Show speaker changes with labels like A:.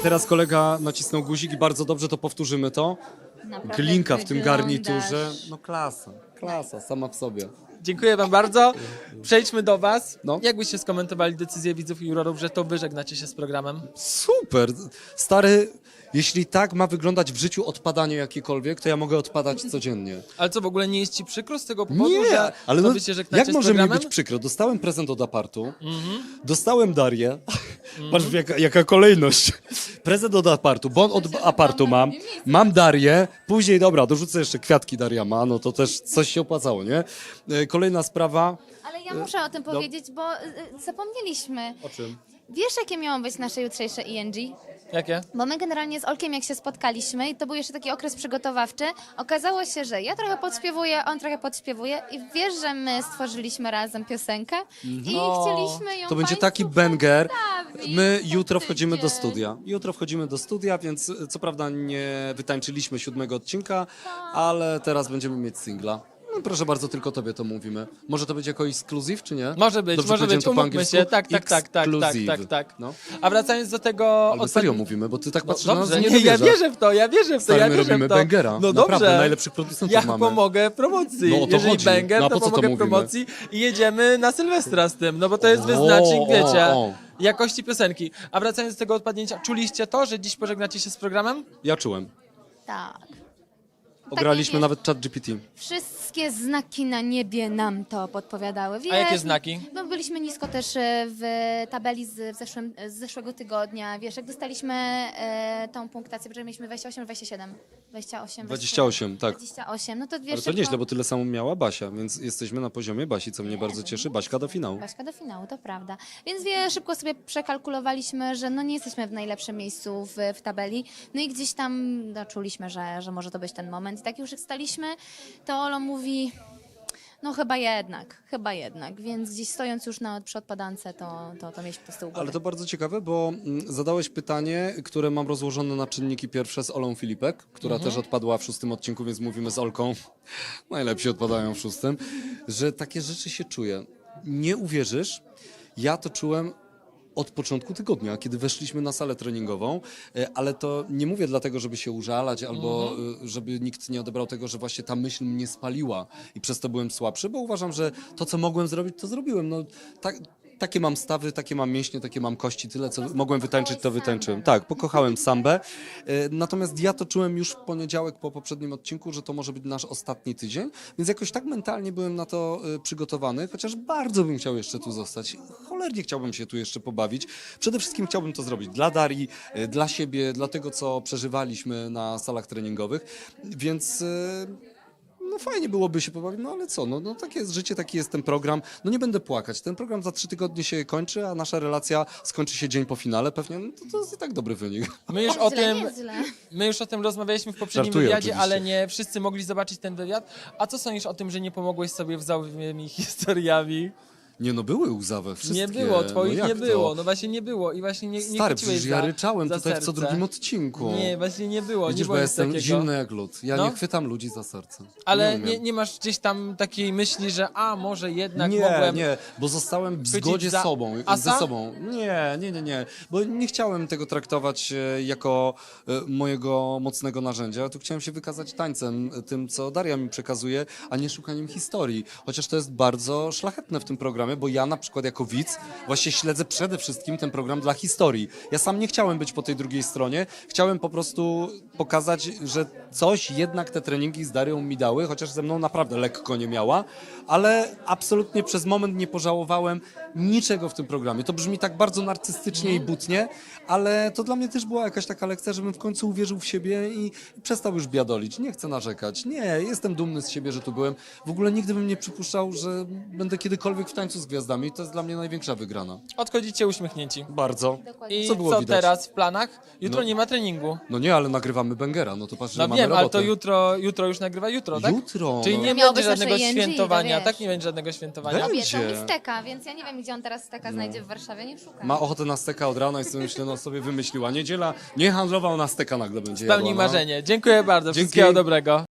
A: teraz kolega nacisnął guzik i bardzo dobrze, to powtórzymy to.
B: Naprawdę
A: Glinka w tym
B: wyglądasz.
A: garniturze. No klasa sama w sobie.
C: Dziękuję wam bardzo. Przejdźmy do was.
A: No.
C: Jak byście skomentowali decyzję widzów i jurorów, że to wy żegnacie się z programem?
A: Super! Stary, jeśli tak ma wyglądać w życiu odpadanie jakiekolwiek, to ja mogę odpadać codziennie.
C: Ale co, w ogóle nie jest ci przykro z tego powodu,
A: Nie,
C: że
A: ale
C: to
A: no,
C: wy się żegnacie
A: jak
C: z
A: może mi
C: programem?
A: być przykro? Dostałem prezent od apartu, dostałem Darię, patrz jaka kolejność. Prezent od apartu, bo od apartu mam Darię, później dobra, dorzucę jeszcze kwiatki Daria ma, no to też coś się opłacało, nie? Kolejna sprawa.
B: Ale ja muszę o tym powiedzieć, bo zapomnieliśmy.
A: O czym?
B: Wiesz, jakie miało być nasze jutrzejsze ENG?
C: Jakie?
B: Bo my generalnie z Olkiem, jak się spotkaliśmy, i to był jeszcze taki okres przygotowawczy, okazało się, że ja trochę podśpiewuję, on trochę podśpiewuje i wiesz, że my stworzyliśmy razem piosenkę i chcieliśmy ją
A: To będzie
B: państwu
A: taki banger.
B: przedstawić
A: My
B: za
A: jutro wchodzimy do
B: tydzień.
A: studia. Jutro wchodzimy do studia, więc co prawda nie wytańczyliśmy 7 odcinka, ale teraz będziemy mieć singla. No, proszę bardzo, tylko tobie to mówimy. Może to być jako ekskluzyw, czy nie?
C: Może być,
A: Dobrze
C: może
A: powiedziałem
C: być,
A: to po
C: umówmy
A: angielsku?
C: się. Tak.
A: Ekskluzyw. No.
C: A wracając do tego...
A: Albo serio mówimy, bo ty tak patrzysz na nas,
C: Dobrze,
A: że
C: nie,
A: nie
C: ja
A: dowierzasz.
C: wierzę w to, ja wierzę w to,
A: Stary,
C: ja
A: my
C: wierzę
A: robimy
C: w to.
A: bangera.
C: No
A: Naprawdę,
C: dobrze.
A: najlepszych producentów
C: Ja
A: mamy.
C: pomogę promocji.
A: No o to
C: Jeżeli
A: chodzi.
C: banger,
A: No a
C: to
A: po co to
C: pomogę
A: mówimy?
C: promocji i jedziemy na Sylwestra z tym, no bo to jest wyznacznik, wiecie, jakości piosenki. A wracając do tego odpadnięcia, czuliście to, że dziś pożegnacie się z programem?
A: Ja czułem.
B: Tak.
A: Ograliśmy
B: wiesz,
A: nawet ChatGPT.
B: Wszystkie znaki na niebie nam to podpowiadały. Wiesz,
C: A jakie znaki?
B: No, byliśmy nisko też w tabeli z zeszłego tygodnia. Wiesz, jak dostaliśmy tą punktację, że mieliśmy 28, 27.
A: 28, tak.
B: 28, no to wiesz...
A: Ale to
B: szybko-
A: nieźle, bo tyle samo miała Basia, więc jesteśmy na poziomie Basi, co mnie bardzo cieszy. Baśka do finału.
B: Baśka do finału, to prawda. Więc wiesz, szybko sobie przekalkulowaliśmy, że no nie jesteśmy w najlepszym miejscu w tabeli. No i gdzieś tam no, czuliśmy, że może to być ten moment. I tak już jak staliśmy, to Olo mówi, no chyba jednak. Więc gdzieś stojąc już przy odpadance, to mieliśmy to z tyłu głowy.
A: Ale to bardzo ciekawe, bo zadałeś pytanie, które mam rozłożone na czynniki pierwsze z Olą Filipek, która też odpadła w 6 odcinku, więc mówimy z Olką, najlepsi odpadają w 6, że takie rzeczy się czuje. Nie uwierzysz, ja to czułem od początku tygodnia, kiedy weszliśmy na salę treningową, ale to nie mówię dlatego, żeby się użalać albo żeby nikt nie odebrał tego, że właśnie ta myśl mnie spaliła i przez to byłem słabszy, bo uważam, że to, co mogłem zrobić, to zrobiłem. No, takie mam stawy, takie mam mięśnie, takie mam kości, tyle co mogłem wytańczyć, to wytańczyłem. Tak, pokochałem sambę. Natomiast ja to czułem już w poniedziałek po poprzednim odcinku, że to może być nasz ostatni tydzień, więc jakoś tak mentalnie byłem na to przygotowany, chociaż bardzo bym chciał jeszcze tu zostać. Cholernie chciałbym się tu jeszcze pobawić. Przede wszystkim chciałbym to zrobić dla Darii, dla siebie, dla tego, co przeżywaliśmy na salach treningowych, więc... No fajnie byłoby się pobawić, no ale co, no takie jest życie, taki jest ten program. No nie będę płakać, ten program za 3 tygodnie się kończy, a nasza relacja skończy się dzień po finale pewnie, no to jest i tak dobry wynik.
C: My już o tym rozmawialiśmy w poprzednim
A: Żartuję
C: wywiadzie,
A: oczywiście.
C: ale nie wszyscy mogli zobaczyć ten wywiad. A co sądzisz o tym, że nie pomogłeś sobie łzawymi historiami?
A: Nie no, były łzawe, wszystkie.
C: Nie było, twoich
A: no
C: nie
A: jak
C: było,
A: to?
C: no właśnie nie było i właśnie nie
A: Stary,
C: chwyciłeś
A: przecież ja
C: za-
A: ryczałem
C: za
A: tutaj w co
C: serce.
A: drugim odcinku.
C: Nie, właśnie nie było, nie
A: Widzisz,
C: było
A: bo
C: nic
A: jestem
C: takiego.
A: zimny jak lód. Ja
C: No.
A: nie chwytam ludzi za serce.
C: Ale
A: umiem.
C: nie masz gdzieś tam takiej myśli, że może jednak
A: Nie,
C: mogłem...
A: nie, bo zostałem w
C: chwycić
A: zgodzie
C: za asa?
A: ze sobą. Nie, bo nie chciałem tego traktować jako mojego mocnego narzędzia. Tu chciałem się wykazać tańcem, tym, co Daria mi przekazuje, a nie szukaniem historii. Chociaż to jest bardzo szlachetne w tym programie, bo ja na przykład jako widz właśnie śledzę przede wszystkim ten program dla historii. Ja sam nie chciałem być po tej drugiej stronie. Chciałem po prostu pokazać, że coś jednak te treningi z Darią mi dały, chociaż ze mną naprawdę lekko nie miała, ale absolutnie przez moment nie pożałowałem niczego w tym programie. To brzmi tak bardzo narcystycznie i butnie, ale to dla mnie też była jakaś taka lekcja, żebym w końcu uwierzył w siebie i przestał już biadolić. Nie chcę narzekać. Nie, jestem dumny z siebie, że tu byłem. W ogóle nigdy bym nie przypuszczał, że będę kiedykolwiek w tańcu z gwiazdami. To jest dla mnie największa wygrana.
C: Odchodzicie uśmiechnięci.
A: Bardzo.
C: I
A: Co było
C: co
A: widać?
C: teraz w planach? Jutro
A: No.
C: nie ma treningu.
A: No nie, ale nagrywamy Bengera, no to patrz, że
C: No
A: mamy
C: wiem, ale
A: robotę.
C: to jutro już nagrywa jutro, tak?
A: Jutro,
C: Czyli
A: no.
C: nie
B: Miało
C: będzie
B: być
C: żadnego
B: nasze ENG,
C: świętowania,
B: to
C: tak?
B: wiesz.
C: Nie będzie żadnego świętowania.
A: Będzie.
B: Obiecał mi steka, więc ja nie wiem, gdzie on teraz steka znajdzie w Warszawie, nie szukam.
A: Ma ochotę na steka od rana i sobie myślę, no sobie wymyśliła. Niedziela, nie handlował na steka nagle będzie
C: Spełnij
A: jadła, no.
C: marzenie. Dziękuję bardzo.
A: Dzięki.
C: Wszystkiego dobrego.